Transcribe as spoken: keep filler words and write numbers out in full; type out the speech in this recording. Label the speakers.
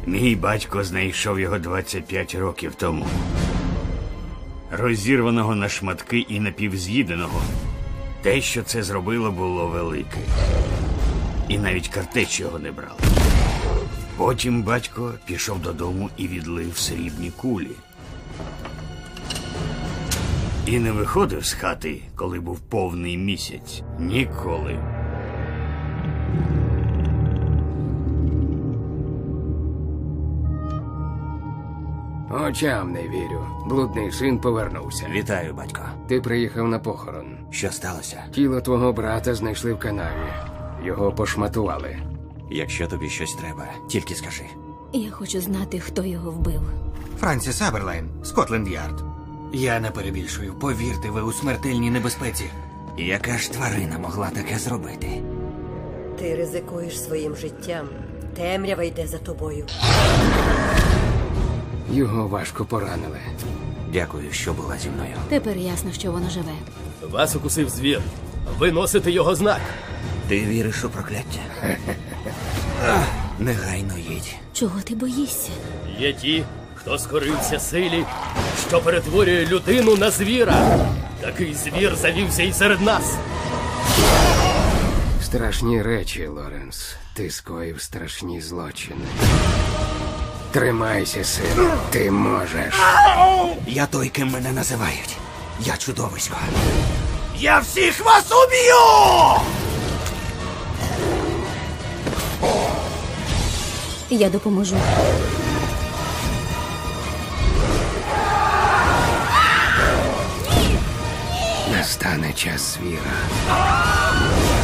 Speaker 1: Мій батько знайшов його двадцять п'ять років тому. Розірваного на шматки і напівз'їденого. Те, що це зробило, було велике. І навіть картеч його не брали. Потім батько пішов додому і відлив срібні кулі. І не виходив з хати, коли був повний місяць. Ніколи.
Speaker 2: Очам не вірю. Блудний син повернувся.
Speaker 3: Вітаю, батько.
Speaker 2: Ти приїхав на похорон.
Speaker 3: Що сталося?
Speaker 2: Тіло твого брата знайшли в канаві. Його пошматували.
Speaker 3: Якщо тобі щось треба, тільки скажи.
Speaker 4: Я хочу знати, хто його вбив.
Speaker 5: Франсіс Аберлайн, Скотланд-Ярд. Я не перебільшую. Повірте, ви у смертельній небезпеці.
Speaker 3: Яка ж тварина могла таке зробити?
Speaker 6: Ти ризикуєш своїм життям. Темрява йде за тобою.
Speaker 2: Його важко поранили.
Speaker 3: Дякую, що була зі мною.
Speaker 4: Тепер ясно, що воно живе.
Speaker 7: Вас укусив звір. Ви носите його знак.
Speaker 3: Ти віриш у прокляття? Негайно їдь.
Speaker 4: Чого ти боїшся?
Speaker 7: Є ті, хто скорився силі, що перетворює людину на звіра. Такий звір завівся і серед нас.
Speaker 2: Страшні речі, Лоренс. Ти скоїв страшні злочини. Тримайся, сину. Ти можеш.
Speaker 3: Я той, ким мене називають. Я чудовисько.
Speaker 1: Я всіх вас уб'ю!
Speaker 4: Я допоможу.
Speaker 2: Настане час звіра.